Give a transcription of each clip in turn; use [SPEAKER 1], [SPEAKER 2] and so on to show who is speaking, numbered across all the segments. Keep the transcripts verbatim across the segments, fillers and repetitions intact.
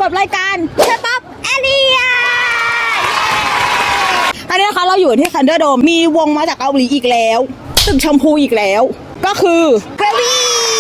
[SPEAKER 1] กับรายการเคป๊อปแอเรียอันนี้นะคะเราอยู่ที่คันเดอร์โดมมีวงมาจากเกาหลีอีกแล้วตึกชมพูอีกแล้วก็คือเกรวี่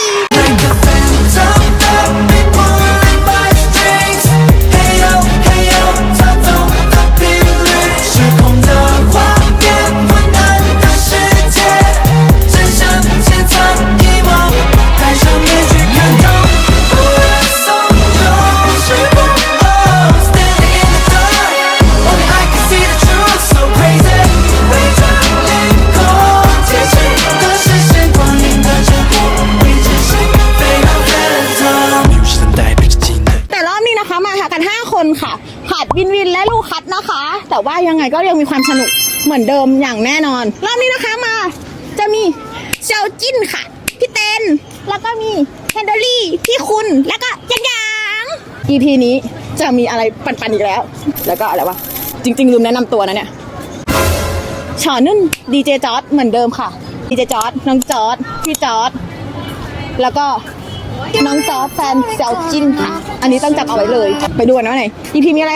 [SPEAKER 1] ค่ะขาดวินวินและลูกคัดนะคะแต่ว่ายังไงก็ยังมีความสนุกเหมือนเดิมอย่างแน่นอนรอบนี้นะคะมาจะมีเซลจิ้นค่ะพี่เต้นแล้วก็มีแฮนเดอรี่พี่คุณแล้วก็ยังยัง อี พี นี้จะมีอะไรปันๆอีกแล้วแล้วก็อะไรวะจริงๆลืมแนะนำตัวนะเนี่ยชอนุ่นดีเจจอร์ดเหมือนเดิมค่ะดีเจจอร์ดน้องจอร์ดพี่จอร์ดแล้วก็น้องจอแฟนเซลจินค่ะอันนี้ต้องจับเอาไว้เลยไปดูกันว่าไหน อี พี มีอะไร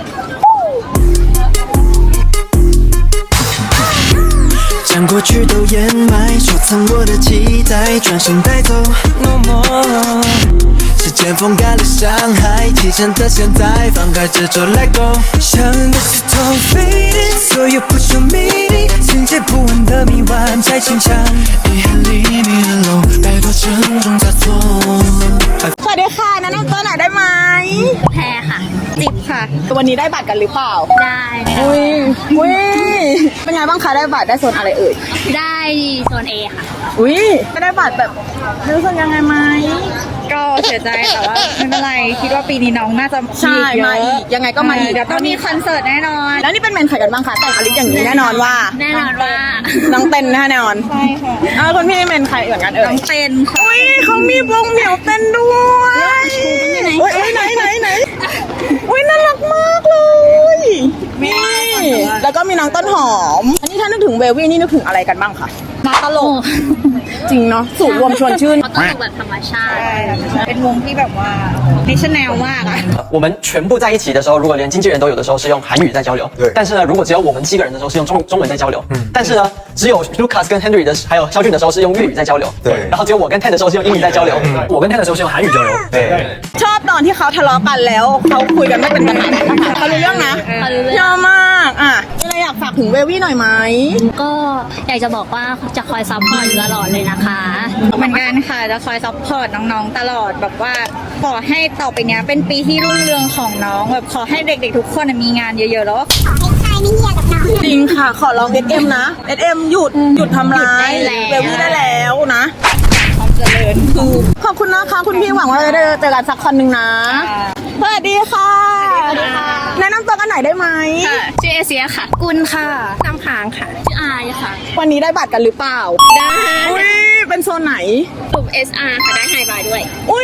[SPEAKER 2] 将过去都掩埋，收藏我的期待，转身带走。No more， 时间风干了伤害，提前的现在，放开执着 Let go。像个石头 fading， 所有不朽秘密，情节不完的迷惘在心上。遗憾里迷了路，摆脱沉重枷锁。
[SPEAKER 1] สวัสดีค่ะแนะนำตัวหน่อยได้ไหม
[SPEAKER 3] แพรค่ะ
[SPEAKER 1] จิบค่ะวันนี้ได้บัตรกันหรือเปล่า
[SPEAKER 3] ได้
[SPEAKER 1] อุ้ยอุ้ยเป็นไงบ้างคะได้บัตรได้โซนอะไรเอ่ย
[SPEAKER 3] ได้โซน A ค่ะ
[SPEAKER 1] อุ้ยไม่ได้บัตรแบบรู้สึกยังไงไหม
[SPEAKER 4] ก็เสียใจแต่ว่าไม่เป็นไรคิดว่าปีนี้น้องน่าจะ
[SPEAKER 1] ใช่มาอีกยังไงก็มาอีก
[SPEAKER 4] เดี๋ยวต้องมีคอนเสิร์ตแน่นอน
[SPEAKER 1] แล้วนี่เป็นเมนใครกันบ้างคะแต่งอลิสอย่างนี้แน่นอนว่า
[SPEAKER 3] แน่นอนว่า
[SPEAKER 1] น้องเต้นแน่นอน
[SPEAKER 4] ใช่ค่ะ
[SPEAKER 1] อ้าวคนพี่เมนใครเหมือนกันเอ่ย
[SPEAKER 4] น้องเต้นค่ะ
[SPEAKER 1] อุ้ยเขามีวงเหมียวเต้นด้วยอุ้ยไหนไหนไหนอุ้ยน่ารักมากเลยนี่แล้วก็มีน้องต้นหอมอันนี้ถ้านึกถึงเววี่นี่นึกถึงอะไรกันบ้างคะ
[SPEAKER 3] มาตลก
[SPEAKER 1] จริงเนาะสูตรรวมชวนชื่น
[SPEAKER 3] ตลกแบบธรรมชาติ
[SPEAKER 4] เป็นวงที่แบบว่าดิชแนลมากอะ
[SPEAKER 5] 我们全部在一起的时候，如果连经纪人都有的时候是用韩语在交流，对。但是呢，如果只有我们七个人的时候是用中中文在交流，嗯。但是呢，只有 Lucas 跟 Henry 的还有肖俊的时候是用粤语在交流，对。然后只有我跟 Ted 的时候是用英语在交流，我跟 Ted 的时候是用韩语交流，对。
[SPEAKER 1] ชอบตอนที่เขาทะเลาะกันแล้วเขาคุยกันไม่เป็นปัญหานะคะเขารู้เรื่องนะยอมมากอ่ะมีอะไรอยากฝากถึงเววี่หน่อยไหม
[SPEAKER 3] ก็อยากจะบอกว่าจะคอยซัพพอร์ตอยู่ตลอดเลยนะคะ
[SPEAKER 4] เหมือนกันค่ะจะคอยซัพพอร์ตน้องๆตลอดแบบว่าขอให้ต่อไปเนี้ยเป็นปีที่รุ่งเรืองของน้องแบบขอให้เด็กๆทุกคนมีงานเยอะๆแล้วก็
[SPEAKER 1] จริงค่ะขอลอง เอส เอ็ม นะ เอส เอ็ม หยุดหยุดทำร้ายเววี่ได้แล้วนะ
[SPEAKER 4] ความเจริญ
[SPEAKER 1] คือขอบคุณนะคะคุณพี่หวังว่าจะได้เจอกันสักคนหนึ่งนะสวัสดีค่ะแนะนำตัวกันหน่อยได้ไหม
[SPEAKER 3] ชื่อเอเชียค่ะกุลค่ะน้ำค้างค่ะชื่ออายค่ะ
[SPEAKER 1] วันนี้ได้บัตรกันหรือเปล่า
[SPEAKER 3] ได้
[SPEAKER 1] อุ้ยเป็นโซนไหน
[SPEAKER 3] กลุ่ม เอส อาร์ ค่ะได้ไฮบายด้วย
[SPEAKER 1] อุ้ย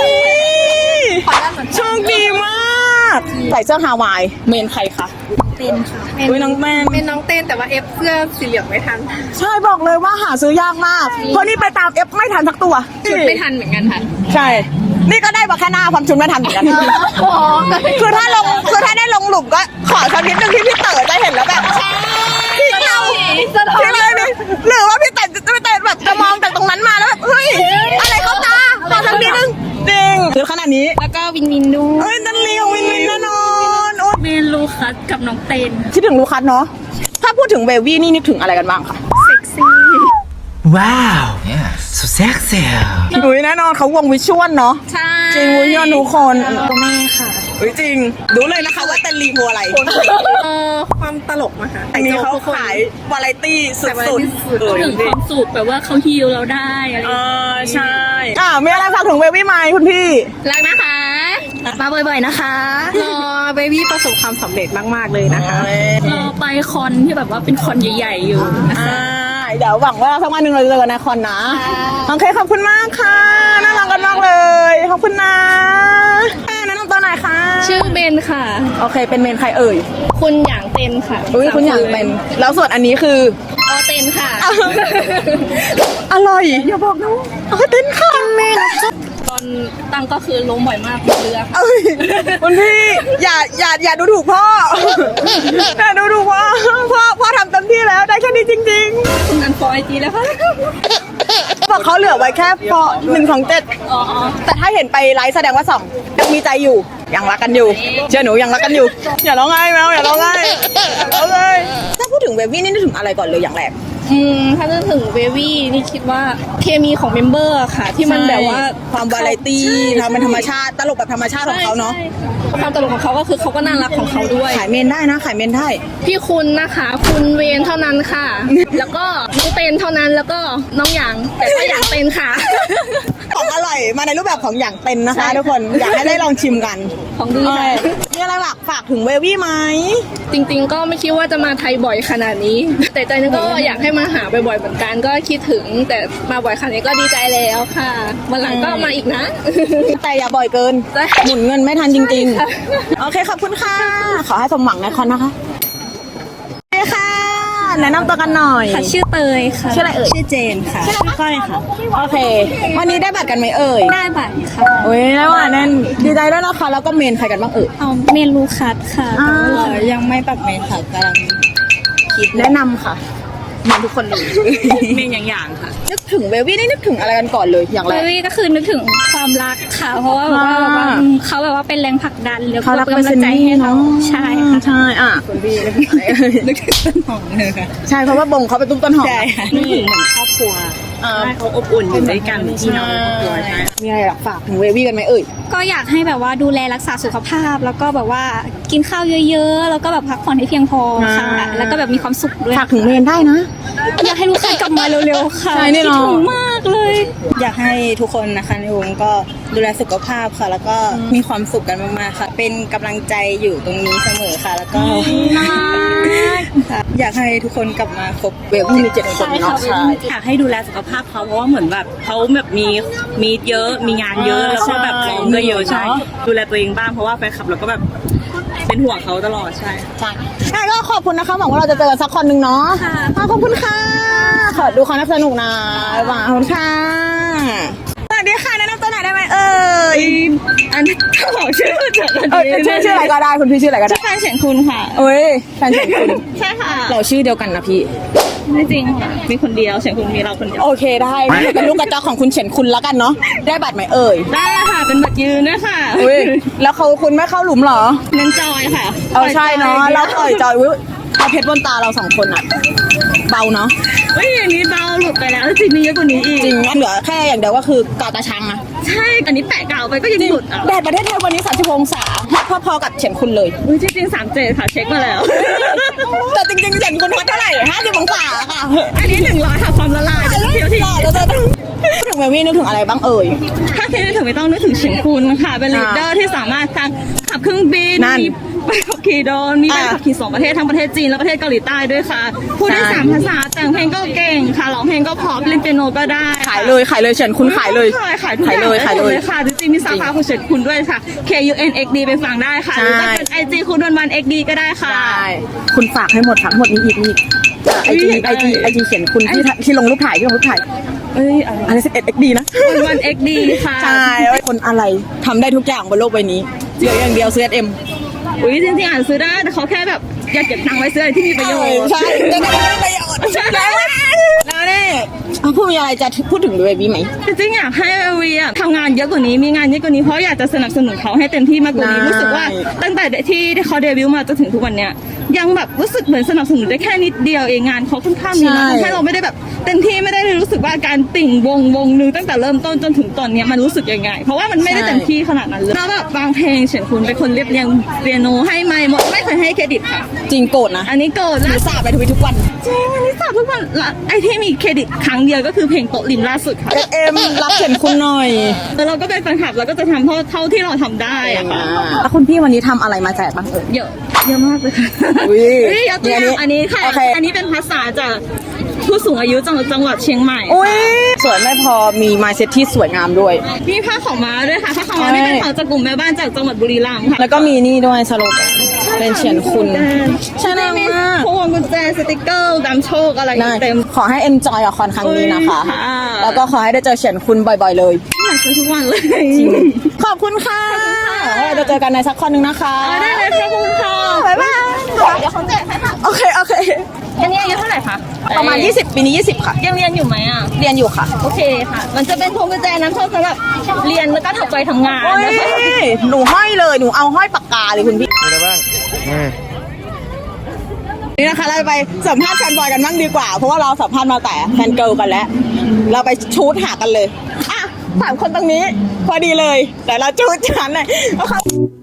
[SPEAKER 1] โชคดีมากใส่เสื้อฮาวายเมนใครคะ
[SPEAKER 3] เป็นค่ะ
[SPEAKER 1] อุ้ยน้องแมน
[SPEAKER 4] เป็นน้องเต้นแต่ว่าเอฟเสื้อสีเหลืองไม่ทัน
[SPEAKER 1] ใช่บอกเลยว่าหาซื้อยากมากเพราะนี่ไปตามเอฟไม่ทันสักตัว
[SPEAKER 3] ชุดไม่ทันเหมือนกันค่ะ
[SPEAKER 1] ใช่นี่ก็ได้มาแค่หน้าความชุดไม่ทันเหมือนกันคือถ้าลงคือถ้าได้ลงหลุมก็ขอสักนิดนึงที่พี่เต๋อจะเห็นแล้วแบบพี่เราพี่เลยนี่หรือว่าพี่เต๋อจะพี่เต๋อแบบจะมองจากตรงนั้นมาแล้วแบบเฮ้ยอะไรเขาตาขอสักนิดนึงจริงคือขนาดนี้
[SPEAKER 3] แล้วก็วินวินดู
[SPEAKER 1] เฮ้ยนั่นเลี้ยววินวินแน่นอน
[SPEAKER 3] เมนลูคัสกับน้องเต้น
[SPEAKER 1] คิดถึงลูคัสเนาะถ้าพูดถึงเววี่นี่นึกถึงอะไรกันบ้างคะ
[SPEAKER 3] เซ็กซี่
[SPEAKER 2] ว้าว so sexy
[SPEAKER 1] อุ้ยแน่นอนเขาวงวิชวลเนาะ
[SPEAKER 3] ใช่
[SPEAKER 1] จริงวิชวลทุกคน
[SPEAKER 3] ตัวแม่ค่ะ
[SPEAKER 1] อุ้ยจริงรู้เลยนะคะว่าเต้นรีโวอะไร
[SPEAKER 4] เออความตลกมาค่ะ
[SPEAKER 1] อันนี้เขาขายวาไรตี้สุดๆ
[SPEAKER 3] ถึงความสุขแบบว่าเขาฮิลเราได้อะไร
[SPEAKER 1] เออใช่อ่ามีอะไรฝากถึงเววี่ไหมคุณพี่
[SPEAKER 3] รักนะคะมาบ่อยๆนะคะ
[SPEAKER 4] รอเบบี้ประสบความสำเร็จมากๆเลยนะคะ
[SPEAKER 3] รอไปคอนที่แบบว่าเป็นคอนใหญ่ๆอยู่นะคะ
[SPEAKER 1] เดี๋ยวหวังว่าสักวันหนึ่งเราจะเจอกันในคอนนะโอเคขอบคุณมากค่ะน่ารักกันมากเลยขอบคุณนะแนะนำตัวหน่อยค่ะ
[SPEAKER 3] ชื่อเบนค่ะ
[SPEAKER 1] โอเคเป็นเมนใครเอ่ย
[SPEAKER 3] คุณหยางเต้นค่ะ
[SPEAKER 1] อุ้ยคุณหยางเต้นแล้วส่วนอันนี้คือ
[SPEAKER 3] ออเต้นค่ะ
[SPEAKER 1] อร่อยอย่าบอกนะออเต้นค่ะเมน
[SPEAKER 3] อนตั้งก็คือล้มบ่อยมากเรือ
[SPEAKER 1] เอ้ยคุณพี่อย่าอย่าอย่าดูถูกพ่อ อย่าดูถูกพ่อพ่อพ่อทำเต็มที่แล้วได้แค่นี้จริง
[SPEAKER 3] คุณอันฟอไอจีแล้วค่ะ
[SPEAKER 1] ๆบอกเขาเหลือไว้แค่พอหนึ่งของเจ็ด
[SPEAKER 3] อ๋อ
[SPEAKER 1] แต่ถ้าเห็นไปไลฟ์แสดงว่าสองยังมีใจอยู่ยังรักกันอยู่เชื่อหนูยังรักกันอยู่ อย่าร้องไห้แมวอย่าร้องไห้อย่าร้องไห้ถ้าพูดถึงเบบี้นี่นึกถึงอะไรก่อนเลยอย่างแรก
[SPEAKER 3] อืมถ้านึกถึงเววี่นี่คิดว่าเคมีของเมมเบอร์ค่ะ ที่มันแบบว่า
[SPEAKER 1] ความวาไรตี้
[SPEAKER 3] ใช่
[SPEAKER 1] ทำเป็นธรรมชาติตลกแบบธรรมชาติของเขาเนาะ
[SPEAKER 3] ใช่ความตลกของเขาก็คือเขาก็น่ารักของเขาด้วย
[SPEAKER 1] ขายเมนได้นะขายเมนได้
[SPEAKER 3] พี่คุณนะคะ คุณเวนเท่านั้นค่ะ แล้วก็น้องเตนเท่านั้นแล้วก็น้องหยางแต่ก็หยางเตนค่ะ
[SPEAKER 1] ของอร่อยมาในรูปแบบของอย่างเป็นนะคะ
[SPEAKER 3] ใช่
[SPEAKER 1] ทุกคนอยากให้ได้ลองชิมกัน
[SPEAKER 3] ของดี
[SPEAKER 1] เอ
[SPEAKER 3] ค่ะ
[SPEAKER 1] อมีอะไรฝากฝากถึงเววี่ไหม
[SPEAKER 3] จริงๆ ก็ไม่คิดว่าจะมาไทยบ่อยขนาดนี้ แต่ใจนึงก็อยากให้มาหาบ่อยๆเหมือนกันก็คิดถึง แต่มาบ่อยขนาดนี้ก็ดีใจแล้วค่ะวันหลังก็มาอีกนะ
[SPEAKER 1] แต่อย่าบ่อยเกิน
[SPEAKER 3] ได้
[SPEAKER 1] หมุนเงินไม่ทันจริง
[SPEAKER 3] ค่ะ
[SPEAKER 1] ๆ โอเคขอบคุณค่ะ ขอให้สมหวังในคอนนะคะโอเคค่ะ แนะนำตัวกันหน่อย
[SPEAKER 6] ค่ะชื่อเตยค่ะ
[SPEAKER 1] ชื่ออะไรเอ่ย
[SPEAKER 6] ชื่อเจนค่ะ ชื่อก้อยค่ะ
[SPEAKER 1] โอเค วันนี้ได้บัตรกันไหมเอ่ย
[SPEAKER 6] ได้บัตรค่ะ
[SPEAKER 1] โอ้ยได้ว่ะนั่นดีใจด้วยนะคะแล้วก็เมนใครกันบ้างเอ่ย
[SPEAKER 6] เอาเมนลูคัสค่ะ
[SPEAKER 1] อ่า
[SPEAKER 6] แต่ว่ายังไม่ปักเมนค่ะกำลังคิด
[SPEAKER 1] แนะนำค่ะเหมือนทุกคนเลย
[SPEAKER 6] เมนอย่างๆค่ะ
[SPEAKER 1] นึกถึงเววี่นี่นึกถึงอะไรกันก่อนเลยอย่างแร
[SPEAKER 6] เบ
[SPEAKER 1] ก
[SPEAKER 6] บี้ก็คือนึกถึงความรักค่ะ เพราะว่าแบบว่า
[SPEAKER 1] อ่า
[SPEAKER 6] แบบว่าอืมเขาแบบว่าเป็นแรงผลักดันแล้ว
[SPEAKER 1] เขารัก
[SPEAKER 6] เป็น
[SPEAKER 1] เป็น
[SPEAKER 6] กำลังใจให้เรา
[SPEAKER 1] เซนนี่เนอะ
[SPEAKER 6] ใช่ค่ะ
[SPEAKER 1] ใช่อ่ะคุณพี่นึกถึงอะไรเอ่ย
[SPEAKER 6] นึกถึงต้นหอมเลยค่ะ
[SPEAKER 1] ใช่เพราะว่าบงเขาเป็นตุ้มต้นหอม
[SPEAKER 6] ใช่ค่ะนึกถึงเหมือนครอบครัว
[SPEAKER 1] อ่า
[SPEAKER 6] ใช่เขาอบอุ่นอยู่ด้วยกันพี่น้องครอบครัวใช่
[SPEAKER 1] มีอะไรอยากฝากถึงเววี่กันไหมเอ่ย
[SPEAKER 6] ก็อยากให้แบบว่าดูแลรักษาสุขภาพ แล้วก็แบบว่ากินข้าวเยอะๆ แล้วก็แบบพักผ่อนให้เพียงพอค่ะ
[SPEAKER 1] อ่า
[SPEAKER 6] แล้วก็แบบมีความสุขด้วย
[SPEAKER 1] ฝากถึงเมนได้นะ
[SPEAKER 6] อยากให้ลูกค้ากลับมาเร็วๆค่ะ
[SPEAKER 1] ใช่แน่นอน
[SPEAKER 6] คิดถึงมากเลย
[SPEAKER 7] อยากให้ทุกคนนะคะในวงก็ดูแลสุขภาพค่ะ แล้วก็มีความสุขกันมากๆค่ะ เป็นกำลังใจอยู่ตรงนี้เสมอค่ะ แล้วก็ค่ะอยากให้ทุกคนกลับมาครบ
[SPEAKER 1] เววี่มีเจ็ดคนเนาะใช่
[SPEAKER 8] อยากให้ดูแลสุขภาพเขาเพราะว่าเหมือนแบบเขาแบบมีมีเยอะมีงานเยอะแล้วก็แบบซ้อมก็เยอะใช่ดูแลตัวเองบ้างเพราะว่าแฟนคลับเราก็แบบเป็นห่วงเขาตลอดใช่
[SPEAKER 1] ใช่ใช่ก็ขอบคุณนะคะหวังว่าเราจะเจอกันสักคนหนึ่งเนาะค่ะขอบคุณค่ะ ขอดูความน่าสนุกนะหวังขอบคุณค่ะสวัสดีค่ะแนะนำตัวหน่อยได้ไหมเอ่ย
[SPEAKER 8] อันนี้บอกชื่อจาก
[SPEAKER 1] เออชื่อชื่ออะไรก็ได้คุณพี่ชื่ออะไรก็ได้
[SPEAKER 8] แฟนเฉียงคุณค่ะ
[SPEAKER 1] เอ้ยแฟนเฉียงคุณ
[SPEAKER 8] ใช่ค่ะ
[SPEAKER 1] เราชื่อเดียวกันนะพี่
[SPEAKER 8] ไม่จริงค่ะมีคนเดียวเฉียงคุณมีเราคนเดียว
[SPEAKER 1] โอเคได้เป็นลูกกระจอกของคุณเฉียนคุณแล้วกันเนาะได้บัตรไหมเอ่ย
[SPEAKER 8] ได้ค่ะเป็นบัตรยืนด้วยค่ะ
[SPEAKER 1] อุ้ยแล้วเขาคุณไม่เข้าหลุมเหรอ
[SPEAKER 8] เน้นจอยค่ะ
[SPEAKER 1] เอาใช่เนาะเราปล่อยจอยอุ้ยเอาเพชรบนตาเราสองคนอะเบาเนาะ
[SPEAKER 8] เฮ้ยอันนี้เบาหลุดไปแล้วจริงมีเยอะกว่านี้อีก
[SPEAKER 1] จริงงั้นเหลือแค่อย่างเดียวก็คือกาตาชังอะ
[SPEAKER 8] ใช่อันนี้แปะกาวไปก็ยังหลุดอ่ะ
[SPEAKER 1] แดดประเทศไทยวันนี้30องศาฮอตพอๆกับเฉียนคุณเลย
[SPEAKER 8] อุ้ยจริงๆสามเจ็ดค่ะเช็คมาแล้ว
[SPEAKER 1] แต่จริงๆเฉียนคุณฮอตเท่าไหร่50องศาค่ะ
[SPEAKER 8] อันนี้หนึ่งร้อยค่ะความละลายเที่ยวที่
[SPEAKER 1] หล่อแล้วจะพูดถึงเววี่นึกถึงอะไรบ้างเอ่ย
[SPEAKER 8] ถ้าคิดถึงไม่ต้องนึกถึงเฉียงคุณค่ะ เป็นลีดเดอร์ที่สามารถทั้งขับเครื่องบิน
[SPEAKER 1] นั่น
[SPEAKER 8] มีใบขับขี่โดรนมีใบ
[SPEAKER 1] อ่า
[SPEAKER 8] ขับขี่สองประเทศทั้งประเทศจีนและประเทศเกาหลีใต้ด้วยค่ะ พูดได้
[SPEAKER 1] ใช่
[SPEAKER 8] สามภาษาแต่งเพลงก็เก่งค่ะร้องเพลงก็เพอเล่นเปียโนก็ได้
[SPEAKER 1] ขายเลยขายเลยเฉียนคุณขายเลย
[SPEAKER 8] ขายขายทุกอ
[SPEAKER 1] ขาย
[SPEAKER 8] ย่าง
[SPEAKER 1] เลยขายเลย
[SPEAKER 8] ค่ะจริงๆมีสาขาของเฉียงคุณด้วยค่ะ K U N X D ไปฟังได้ค่ะหรือจะเป็น ไอ จี คุณวันวัน เอ็กซ์ ดี ก็ได้ค่ะ
[SPEAKER 1] ได้คุณฝากให้หมดฝากหมดนี้อีกนี่ไอจีไอจีไอจีเขียนคุณที่ที่ลงรูปถ่ายที่ลงรูปถ่าย
[SPEAKER 8] เอ้ยอะไร
[SPEAKER 1] อะไรสิบเอ็ดเอ็กดีนะ
[SPEAKER 8] วันวัน เอ็กซ์ ดี ค่ะ
[SPEAKER 1] ใช่คนอะไรทำได้ทุกอย่างบนโลกใบนี้เหลืออย่างเดียวซื้อเอสเอ็ม
[SPEAKER 8] อุ้ยจริงๆอ่านซื้อได้แต่เขาแค่แบบอยากเก็บตังค์ไว้ซื้ออะไรที่มีประโยชน์
[SPEAKER 1] ใช่จะได้ประโยชน์แล้วแล้วนี่เอาพูดมีอะไรจะพูดถึงเบบี้ไหม
[SPEAKER 8] จริงๆอยากให้เอวีอะทำงานเยอะกว่านี้มีงานเยอะกว่านี้เพราะอยากจะสนับสนุนเขาให้เต็มที่มากกว่านี้
[SPEAKER 1] ได้
[SPEAKER 8] รู้สึกว่าตั้งแต่ที่เขาเดบิวต์มาจนถึงทุกวันเนี้ยยังแบบรู้สึกเหมือนสนับสนุนได้แค่นิดเดียวเองงานเขาค่อนข้างมีนะทำให้เราไม่ได้แบบเต็มที่ไม่ได้รู้สึกว่าการติ่งวงวงนึงตั้งแต่เริ่มต้นจนถึงตอนเนี้ยมันรู้สึกยังไง เพราะว่ามันไม่ได้เต็มที่ขนาดนั้นเลยแล้วแบบบางเพลงเฉียนคุณเป็นคนเรียบเรียงเปียโนให้ไม่หมดไม่เคยให้เครดิตค่ะ
[SPEAKER 1] จริงโกรธนะ
[SPEAKER 8] อันนี้โกรธ
[SPEAKER 1] หนู
[SPEAKER 8] ล่า
[SPEAKER 1] สาบไปทวิตทุกวัน
[SPEAKER 8] จริงอันนี้สาบทุกวันละไอที่มีเครดิตครั้งเดียวก็คือเพลงโต๊ะริมล่าสุดค่ะ
[SPEAKER 1] เอสเอ็มรับเขียนคุณหน่อย
[SPEAKER 8] แล้วเราก็เป็นแฟนคลับเราก็จะทำเท่าเท่าที่เราทำได้อะค่ะ
[SPEAKER 1] แล้วคุณพี่วันนี้ทำอะไรมาแจกบ้างเอ่ย
[SPEAKER 8] เยอะเยอะมากเลยค่ะ
[SPEAKER 1] อุ๊ย
[SPEAKER 8] เฮ้ยยกตัวอย่างอันนี้ค่ะ
[SPEAKER 1] โอเค
[SPEAKER 8] อันนี้เป็นภาษาจากผู้สูงอายุจังหวัดจังหวัดเชียงใหม่
[SPEAKER 1] อุ้ยสวยไม่พอมีไมเซ็ตที่สวยงามด้วย
[SPEAKER 8] มีผ้าขาวม้าด้วยค่ะผ้าขาวม้านี่เป็นของจากกลุ่มแม่บ้านจากจังหวัดบุรีรัมย์ค่ะ
[SPEAKER 1] แล้วก็มีนี่ด้วยสโลแกนเป็นเฉียนคุณใช่
[SPEAKER 8] ใช่
[SPEAKER 1] มาก
[SPEAKER 8] มี
[SPEAKER 1] มาก
[SPEAKER 8] พวงวงกุญแจสติกเกอร์ดำโชคอะไรอย่างเงี้ยเต็ม
[SPEAKER 1] ขอให้ enjoy กับคอนครั้งนี้นะคะ
[SPEAKER 8] อุ๊ยค่ะ
[SPEAKER 1] แล้วก็ขอให้ได้เจอเฉียนคุณบ่อยๆเลย
[SPEAKER 8] อยากเจอทุกวันเลย
[SPEAKER 1] ขอบคุณค่ะเราจะเจอกันในสักคอนหนึ่งนะคะ
[SPEAKER 8] ได้เลยค่ะขอบคุณค่ะ
[SPEAKER 1] บ๊ายบาย
[SPEAKER 6] เดี๋ยวเขาแจกให้ค่ะ
[SPEAKER 1] โอเค โอเค
[SPEAKER 8] อันนี้อายุเท่าไหร่คะ
[SPEAKER 1] ประมาณ ยี่สิบ ปีนี้ ยี่สิบ ค่ะ
[SPEAKER 8] ยังเรียนอยู่ไหมอ่ะ
[SPEAKER 1] เรียนอยู่ค่ะ
[SPEAKER 8] โอเคค่ะ มันจะเป็นพวงกุญแจน้ำโชคสำหรับเรียนแล้วก็ทำไปทำงาน
[SPEAKER 1] โอ้ย
[SPEAKER 8] นะคะ
[SPEAKER 1] หนูห้อยเลย หนูเอาห้อยปากกาเลยคุณพี่
[SPEAKER 9] มีอะไรบ้างอืม
[SPEAKER 1] นี่นะคะเราไปสัมภาษณ์แฟนบอยกันบ้างดีกว่า เพราะว่าเราสัมภาษณ์มาแต่แฟนเกิร์ลกันแล้ว เราไปชูดหากันเลย อ่ะสามคนตรงนี้ พอดีเลย แต่เราชูดฉันเลยโอเค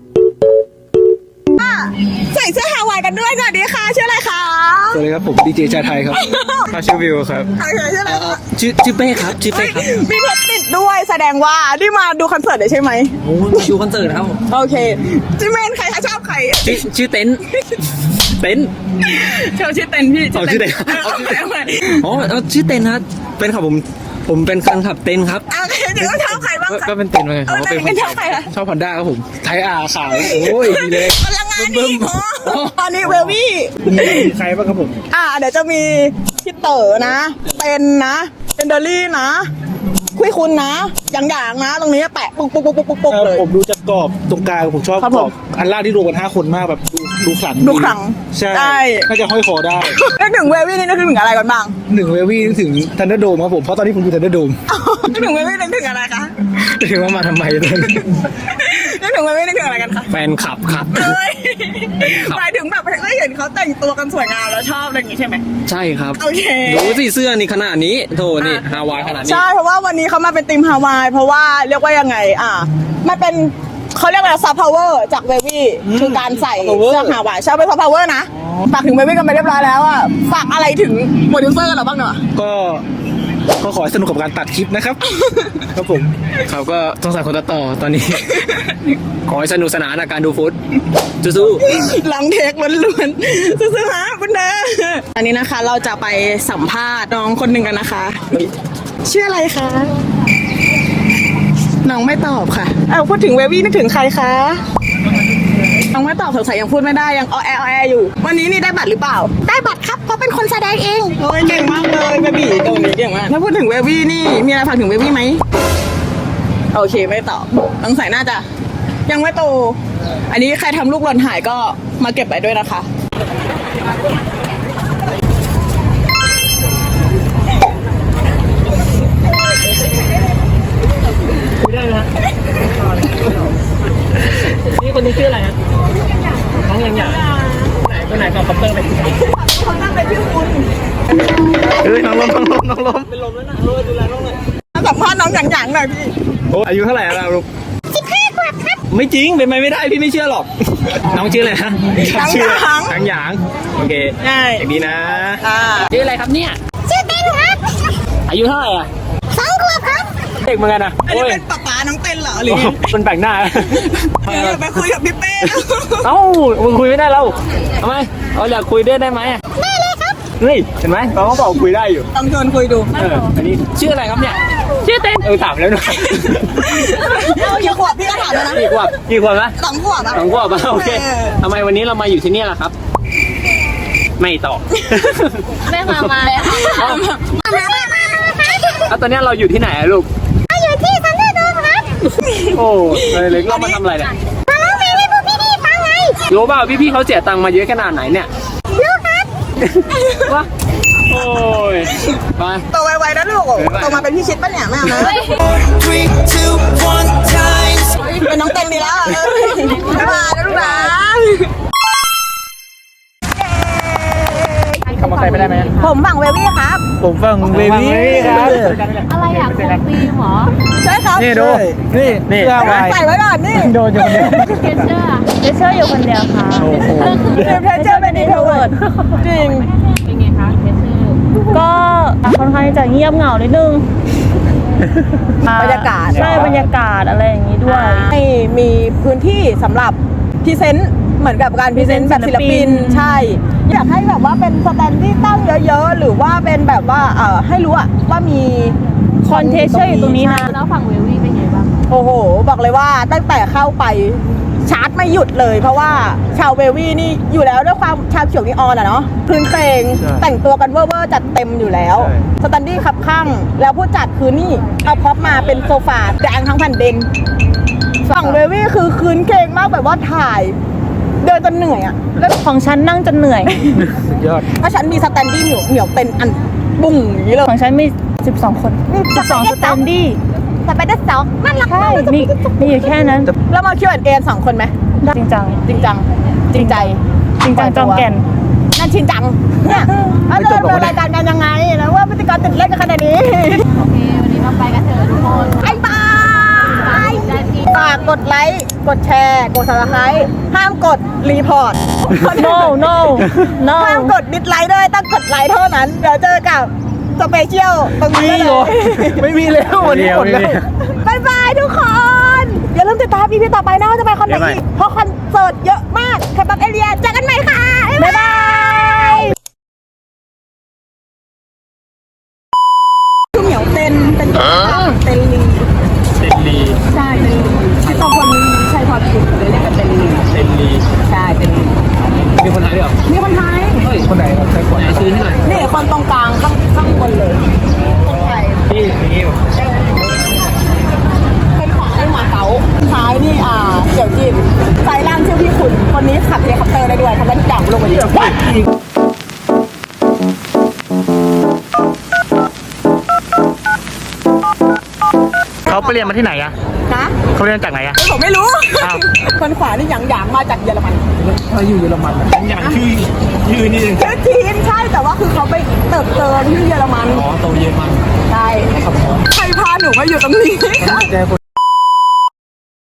[SPEAKER 1] อ่ะใส่เสื้อฮาวายกันด้วยสวัสดีค่ะชื่ออะไรคะ
[SPEAKER 9] สวัสดีครับผมดีเจชาไทยครับข้าชื่อวิวครับ
[SPEAKER 1] โอเคชื่ออะไรคะ
[SPEAKER 9] ชื่อชื่อเป้ครับชื่อเป้ครับ
[SPEAKER 1] มีเพชรติดด้วยแสดงว่าที่มาดูคอนเสิร์ตเลยใช่ไหม
[SPEAKER 9] โอ้มาดูคอนเสิร์ตครับ
[SPEAKER 1] โอเคจิเมนใครคะชอบใคร
[SPEAKER 9] ชื่อชื่อเต็นท์เต็นท์
[SPEAKER 1] เชลชื่อเต็นพี่
[SPEAKER 9] เอาชื่อเต็นท์
[SPEAKER 1] เอาชื่อเต็น
[SPEAKER 9] อ๋อเอาชื่อเต็นท์ครับเป็นครับผมผมเป็นแฟนคลับเต็นท์ครับ
[SPEAKER 1] โอเคเดี๋ยวชอบใครบ้าง
[SPEAKER 9] ก็
[SPEAKER 1] คะ
[SPEAKER 9] ก็เป็นเต็นท์เหมือนกันครับ
[SPEAKER 1] เออ
[SPEAKER 9] ว่าเป็น
[SPEAKER 1] เป็นชอบใครคะ
[SPEAKER 9] ชอบพันด้าครับผมไทยอาขาวโอ้ยดีเลย
[SPEAKER 1] พลังงานดีโอ้ตอนนี้เวลวี่
[SPEAKER 9] มีใครบ้างครับผม
[SPEAKER 1] อ่าเดี๋ยวจะมีพี่เต๋อนะเต็นนะเอนเดอรี่นะคุยคุณนะอย่างๆนะ ตรงนี้แปะปุ๊กปุ๊กปุ๊กปุ๊กปุ๊กเลย
[SPEAKER 9] ผมดูจากกรอบตรงกลางผมชอบ
[SPEAKER 1] ครับ
[SPEAKER 9] ก
[SPEAKER 1] ผม
[SPEAKER 9] รอบอันล่างที่รวมกันห้าคนมากแบบดูดูขลัง
[SPEAKER 1] ดูขลัง
[SPEAKER 9] ใช่
[SPEAKER 1] ใช่
[SPEAKER 9] น่าจะห้อยคอได้
[SPEAKER 1] นึกถึงเวลวี่นี่นึกถึงอะไรกันบ้าง
[SPEAKER 9] หนึ่งเววี่นึกถึงทันเดอร์โดมครับผมเพราะตอนนี้ผมอยู่ทันเดอร์โดม
[SPEAKER 1] นึกถึงเวลวี่นึกถึงอะไรคะ
[SPEAKER 9] ถึงว่ามาทำไมตอนนี้
[SPEAKER 1] นึกถึงเวลวี่นึกถึงอะไรกันคะ
[SPEAKER 9] แฟนคลับครับ
[SPEAKER 1] เฮ้ยหมายถึงแบบได้เห็นเขาแต่งตัวกันสวยงามแล้วชอบอะไรอย่างงี้ใช่ไหม
[SPEAKER 9] ใช่ครับ
[SPEAKER 1] โอเค
[SPEAKER 9] ดูสิเสื้อนี่ขนาดนี้โธ่นี่ฮาวายขนาดนี้
[SPEAKER 1] ใช่เพราะว่าวันนี้เขามาเป็นทีมฮาวายเพราะว่าเรียกว่ายังไงอ่ะมันเป็นเขาเรียกอะไรซอฟต์พาวเวอร์จากเววี่คือการใส่เสื้อฮาวายใช่เป็นซอฟต์พาวเวอร์นะฝากถึงเววี่กันไปเรียบร้อยแล้วอ่ะฝากอะไรถึงโปรดิวเซอร์เราบ้างเนาะ
[SPEAKER 9] ก็ก็ขอให้สนุกกับการตัดคลิปนะครับ ครับผมเขาก็ต้องสั่งคนตัดต่อตอนนี้ ขอให้สนุกสนานกับการดูฟุตสู้
[SPEAKER 1] ลองเทคล้วนๆซื้อๆฮะคุณเด้ออันนี้นะคะเราจะไปสัมภาษณ์น้องคนหนึ่งกันนะคะชื่ออะไรคะน้องไม่ตอบค่ะเอ้าพูดถึงเววี่นึกถึงใครคะน้องไม่ตอบสงสัยยังพูดไม่ได้ยังออแอออแออยู่ วันนี้นี่ได้บัตรหรือเปล่า ได้บัตรครับเพราะเป็นคนแสดงเองโอ้ยเก่งมากเลยเบบี้ตรงนี้เก่งมากถ้าพูดถึงเววี่นี่มีอะไรฝากถึงเววี่ไหมโอเคไม่ตอบสงสัยน่าจะยังไม่โต อันนี้ใครทำลูกหล่นหายก็มาเก็บไปด้วยนะคะนี่คนนี้ชื่ออะไรฮะน้องยังหยาไหนคนไหนก่อนคอปเตอร์ไปเขาตั้งเป็นพี่คุณ
[SPEAKER 9] ๆเฮ้ยน้องล้มน้องล้มน้องล้ม
[SPEAKER 1] เป็นลมแล้วนะเออดูแลน้องหน่อยสัมภาษณ์น้องหยางๆหน่อยพี่
[SPEAKER 9] โอ้อายุเท่าไหร่แล้วลูกสิบห้าขวบครับไม่จริงเป็นไปไม่ได้พี่ไม่เชื่อหรอก น้องชื่ออะไรนะ
[SPEAKER 1] หยาง
[SPEAKER 9] ชื่อ
[SPEAKER 1] หยาง
[SPEAKER 9] หางหยางโอเค
[SPEAKER 1] ใช่
[SPEAKER 9] อย่างนี้นะ
[SPEAKER 1] อ่า
[SPEAKER 9] ชื่ออะไรครับเนี่ย
[SPEAKER 6] ชื่อเต้นครับ
[SPEAKER 9] อายุเท่าไหร่อ่ะ
[SPEAKER 6] สองขวบครับ
[SPEAKER 9] เด็กเหมือนกันนะ
[SPEAKER 1] อันนี้
[SPEAKER 9] โอ้ย
[SPEAKER 1] เป็นป๊าป๊าน้องเต้นเหรอหรือ
[SPEAKER 9] โอ้
[SPEAKER 1] ไง
[SPEAKER 9] มันแปลกหน้า
[SPEAKER 1] เดี๋ยวไปคุยกับพี่เป้นะ
[SPEAKER 9] เอ้ามึงคุยไม่ได้แล้วทำไมเราอยากคุยด้วยได้ไหมได้เลยครับเฮ้ยเห็นไหมเราก็บอกคุยได้อยู่
[SPEAKER 1] ต้องชวนคุยดู
[SPEAKER 9] เอออันนี้ชื่ออะไรครับเนี่ยชื่อเต้นเออถามแล้วด้วย
[SPEAKER 1] กี่ขวบพี่ก็ถามแล้วนะ
[SPEAKER 9] กี่ขวบกี่ขวบนะ
[SPEAKER 1] สองขวบอะ
[SPEAKER 9] สองขวบอ่ะโอเค
[SPEAKER 1] เออ
[SPEAKER 9] ทำไมวันนี้เรามาอยู่ที่นี่ล่ะครับ ไม่ตอบ
[SPEAKER 6] แม่มามาเลยค่ะ
[SPEAKER 9] เอ้า
[SPEAKER 6] มามามามา
[SPEAKER 9] แล้วตอนนี้เราอยู่ที่ไหนอะลูก
[SPEAKER 6] อยู่ที่ซันเดอร์โดมครับ
[SPEAKER 9] โอ้เลยเลยเรามาทำอะไรเนี่ย
[SPEAKER 6] มาร้องเพลงให้พวกพี่ๆฟังไง
[SPEAKER 9] รู้เปล่าพี่ๆเขาเสียตังค์มาเยอะขนาดไหนเนี่ย
[SPEAKER 6] รู้ครับ
[SPEAKER 9] วะโอ้ยไป
[SPEAKER 1] โตไวๆนะลูกโตมาเป็นพี่ชิดปะเนี่ยแม่เอานะ
[SPEAKER 2] three two one times
[SPEAKER 1] เป็นน้องเต้นดีแล้วเออมาแล้วลูกนะ
[SPEAKER 9] คำว่าใครไม่ได้ไหม
[SPEAKER 1] ผมฝั่งเววี่ครับ
[SPEAKER 9] ผมฟังเบบี้ครับ
[SPEAKER 6] อะไรอยากคุยฟิล์มเหรอ
[SPEAKER 1] ใช่ครับ
[SPEAKER 9] นี่ดูนี่นี่
[SPEAKER 1] ใส่ไว้ก่อนนี่
[SPEAKER 9] โดนอยู่คนเดียว
[SPEAKER 6] เกเชอร์เกเชอร์อยู่คนเดียวค่ะ
[SPEAKER 9] โอ้โห
[SPEAKER 1] เพชเจอร์เป็นอินโทรเวิร์ดจริง
[SPEAKER 6] เป็นไงคะเกเชอร์
[SPEAKER 8] ก็ค่อนข้างจะเงียบเหงานิดนึง
[SPEAKER 1] บรรยากาศ
[SPEAKER 8] ใช่บรรยากาศอะไรอย่างนี้ด้วย
[SPEAKER 1] ให้มีพื้นที่สำหรับพรีเซนต์เหมือนกับการพรีเซนต์แบบศิลปินใช่ อยากให้แบบว่าเป็นสแตนที่ตั้งเยอะๆ หรือว่าเป็นแบบว่าเอ่อให้รู้อะว่ามี
[SPEAKER 8] คอนเทเชอร์อยู่ตรงนี้นะ
[SPEAKER 6] แล้วฝั่งเวลวี่เป็นไงบ้าง
[SPEAKER 1] โอ้โห บอกเลยว่าตั้งแต่เข้าไปชาร์จไม่หยุดเลย เพราะว่าชาวเววี่นี่อยู่แล้วด้วยความชาวเขียวนีออนอะเนาะพื้นเพลงแต่งตัวกันเวอร์ๆจัดเต็มอยู่แล้วสแตนดี้ขับข้างแล้วผู้จัดคือนี่เอาพ็อปมาเป็นโซฟาแดงทั้งแผ่นดินฝั่งเววี่คือคืนเคงมากแบบว่าถ่ายเดินจนเหนื่อยอะแล้ว
[SPEAKER 8] ของฉันนั่งจนเหนื่อย
[SPEAKER 9] สุดยอด
[SPEAKER 1] เพราะฉันมีสแตนดี้เหนียวเหนียวเป็นอันบุ้งอย่างนี้เลย
[SPEAKER 8] ของฉันมีสิบสองคนสิบสองสแตนดี้
[SPEAKER 1] สไปเดอร์สองน่ารัก
[SPEAKER 8] ใช่
[SPEAKER 1] มาก
[SPEAKER 8] มีมีอยู่แค่นั้น
[SPEAKER 1] แล้วมาคิวแอนเอ็นสองคนไหม
[SPEAKER 8] จริงจัง
[SPEAKER 1] จริงจังจริงใจ
[SPEAKER 8] จริงจังจอมแก่น
[SPEAKER 1] นั่นชินจังเนี่ยแล้วจะดำเนินรายการกันยังไงแล้วว่าพิธีกรติดเล่นกันขนาดนี้
[SPEAKER 6] โอเค วันนี้เราไปกันเถอะทุกคน
[SPEAKER 1] ไอ้บายฝากกดไลค์กดแชร์กดซับสไครต์ห้ามกดรีพอร์ต
[SPEAKER 8] no no no
[SPEAKER 1] ห้ามกดดิสไลค์ด้วยต้องกดไลค์เท่านั้นเดี๋ยวเจอกับสเปเชียลตรงนี้เลย
[SPEAKER 9] ไม่มีแล้ววันนี้หมดแล้ว
[SPEAKER 1] บายบายทุกคน อย่าลืมติดตามอีพีต่อไปนะว่าจะไปคอนไหนอีกเพราะคอนเสิร์ตเยอะมากแคปปับเอเรียเจอกันใหม่ค่ะ บ๊ายบายคือเหมียวเต้นเป็นเต้นลี
[SPEAKER 9] เต็นลี
[SPEAKER 1] ใช่เต้นลีที่ต้องคนนี้ใช่พอผิดเลยเรียกกันเต้นลี
[SPEAKER 9] เต็นลี
[SPEAKER 1] ใช่เต้นลี
[SPEAKER 9] มีคนไทยด้วยเหรอ
[SPEAKER 1] มีคนไทย
[SPEAKER 9] เฮ้ยคนไหนครับใช้ขวดซื้อที่ไหน
[SPEAKER 1] นี่คนตรงกลางข้างข้างบนเลยคนไทย
[SPEAKER 9] ที่อย่างนี้
[SPEAKER 1] เป็นของไอ้หมาเก๋าท้ายนี่อ่าเกี่ยวจีนสายล่างชื่อพี่ขุนคนนี้ขับเฮลิคอปเตอร์ได้ด้วยทำได้ทุกอย่างลงมาดี
[SPEAKER 9] เขาไปเรียนมาที่ไหนอะ
[SPEAKER 1] นะ
[SPEAKER 9] เขาเรียนจากไหนอะ
[SPEAKER 1] ผมไม่รู้
[SPEAKER 9] อ้าว
[SPEAKER 1] คนขวานี่หยางหยางมาจากเยอรมัน
[SPEAKER 9] เขาอยู่เยอรมันอย่างชื่อชื่อนี่เอง
[SPEAKER 1] ชื่อจีนใช่แต่ว่าคือเขาไปเติบโตที่เยอรมัน
[SPEAKER 9] อ๋อโตเยอรมัน
[SPEAKER 1] ใช่ใครพาหนูมาอยู่ตรงนี้
[SPEAKER 9] แกคน